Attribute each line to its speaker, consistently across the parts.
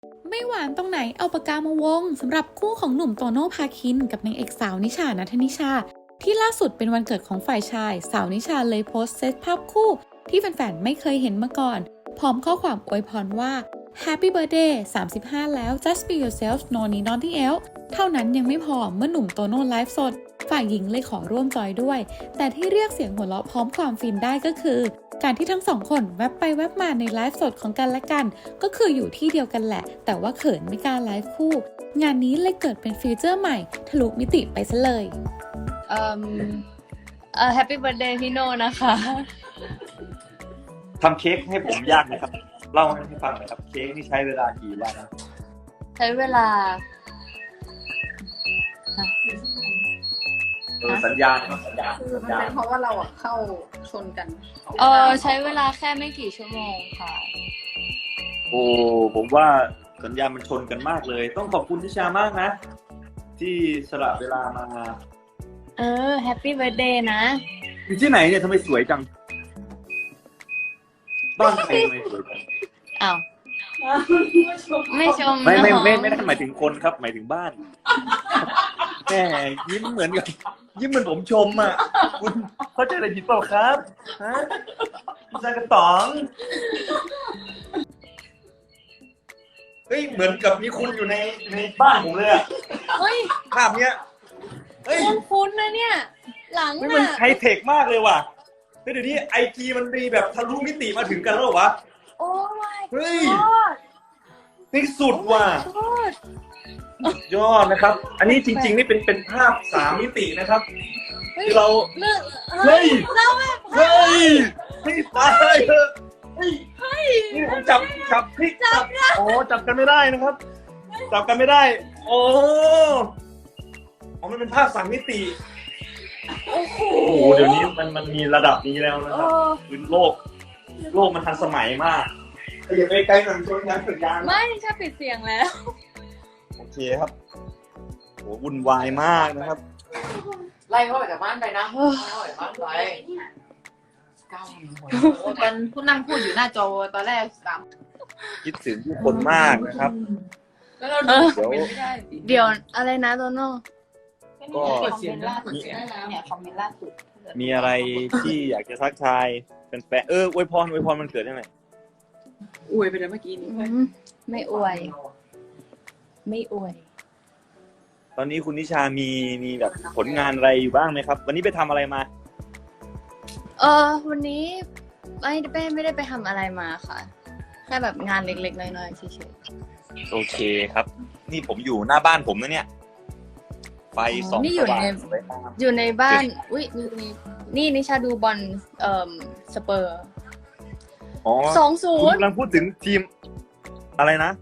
Speaker 1: ไม่หวานตรงไหนเอาปากกามาวงสำหรับคู่ของหนุ่มโตโน่พาคินกับนางเอกสาวนิชาณัฐนิชาที่ล่าสุดเป็นวันเกิดของฝ่ายชายสาวนิชาเลยโพสต์เซตภาพคู่ที่แฟนๆไม่เคยเห็นมาก่อนพร้อมข้อความอวยพรว่า Happy Birthday 35 แล้ว Just be yourself no need nothing else เท่านั้นยังไม่พอเมื่อหนุ่มโตโน่ไลฟ์สดฝ่ายหญิงเลยขอร่วมจอยด้วยแต่ที่เรียกเสียงหัวเราะพร้อมความฟินได้ก็คือการที่ทั้งสองคนแวบไปแวบมาในไลฟ์สดของกันและกันก็คืออยู่ที่เดียวกันแหละแต่ว่าเขินไม่กล้าไลฟ์คู่งานนี้เลยเกิดเป็นฟีเจอร์ใหม่ทะลุมิติไปซะเลย
Speaker 2: Happy Birthday พี่โน่นะคะ
Speaker 3: ทำเค้กให้ผมยากไหมครับเล่าให้ฟังหน่อยครับเค้กนี่ใช้เวลากี่วันนะ
Speaker 2: ใช้เวลา
Speaker 3: สัญญาณสัญญาณ
Speaker 4: คือมันเป็นเพราะว่าเราเข้าชนกัน
Speaker 2: ใช้เวลาแค่ไม่กี่ชั่วโมงค่ะ
Speaker 3: โอ้ผมว่าสัญญาณมันชนกันมากเลย ต้องขอบคุณทิชามากนะ ที่สละเวลามา
Speaker 2: Happy Birthday นะ
Speaker 3: อยู่ที่ไหนเนี่ยทำไมสวยจังบ้านใครทำไมสวยจัง
Speaker 2: อ้าว ไม่ชม
Speaker 3: ไม่ได้
Speaker 2: นะ
Speaker 3: หมายถึงคนครับหมายถึงบ้านแหมยิ้มเหมือนกับยิ้มเหมือนผมชมอ่ะคุณเข้าใจอะไรผิดเปล่าครับฮะคุณชายกระต๋องเฮ้ยเหมือนกับมีคุณอยู่ในบ้านผมเลยอะ
Speaker 2: เฮ้ย
Speaker 3: ภาพเนี้ยเฮ้ย
Speaker 2: คุ้นๆนะเนี่ย หลัง
Speaker 3: มัน
Speaker 2: น่ะ
Speaker 3: ไฮเทคมากเลยว่ะเฮ้ยเดี๋ยวนี้ไอจีมันมีแบบทะลุมิติมาถึงกันแล้วเหรอวะ
Speaker 2: โอ้ my
Speaker 3: เฮ้ย
Speaker 2: god
Speaker 3: นี่สุดว่ะ
Speaker 2: god
Speaker 3: ยอดนะครับ อันนี้จริงๆนี่เป็นภาพ3 มิตินะครับ
Speaker 2: เฮ้ย
Speaker 3: ที่เรา
Speaker 2: เลิก
Speaker 3: เฮ้ย
Speaker 2: เราแบบ
Speaker 3: เฮ้ยให้ตายเถอะเฮ้ยนี่ผมจับพลิกโอ้จับกันไม่ได้นะครับ จับกันไม่ได้ โอ้มันเป็นภาพ3 มิติ
Speaker 2: โอ้โห
Speaker 3: โอ้โหเดี๋ยวนี้มันมีระดับนี้แล้วนะครับคือโลกมันทันสมัยมากอย่าไปไกลหน่อยชนยันสัญญาณ
Speaker 2: ไม่ใช่ปิดเสียงแล้ว
Speaker 3: โอเคครับโหวุ่นวายมากนะครับ
Speaker 4: ไล่เขาออกจากบ้านไปนะไล่เขาออกจากบ้านไปก้าวกันผู้นั่งพูดอยู่หน้าจอตอนแรก
Speaker 3: คิดถึงทุกคนมากนะครับ
Speaker 4: แล้วเราดูคอมเมนต์ไม่ได้
Speaker 2: เดี๋ยวอะไรนะโตโน่
Speaker 3: ก็
Speaker 4: คอมเมนต์ล่าสุดเนี่ยคอมเมนต์ล่าสุด
Speaker 3: มีอะไรที่อยากจะทักทายแฟนๆอวยพรมันเกิดได้ไหม
Speaker 4: อวยไปแล้วเมื่อกี้นี้
Speaker 2: ไม่อวย ไม่อวย
Speaker 3: ตอนนี้คุณนิชามีแบบผลงานอะไรอยู่บ้างไหมครับ วันนี้ไปทำอะไรมา
Speaker 2: วันนี้ไม่ได้ไปทำอะไรมาค่ะ แค่แบบงานเล็กๆน้อยๆเฉย
Speaker 3: โอเคครับ นี่ผมอยู่หน้าบ้านผมนะเนี่ยไฟส่อง
Speaker 2: นี่อยู่
Speaker 3: สว่าง
Speaker 2: ใน
Speaker 3: สวยงาม
Speaker 2: อยู่ในบ้านอุ้ยนี่นิชาดูบอลสเปอร์
Speaker 3: อ๋อ
Speaker 2: 2-0
Speaker 3: คุณกำลังพูดถึงทีมอะไรนะ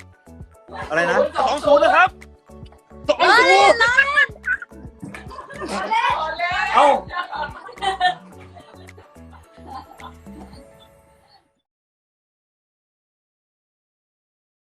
Speaker 3: 2-0นะครับ2-0เอ้า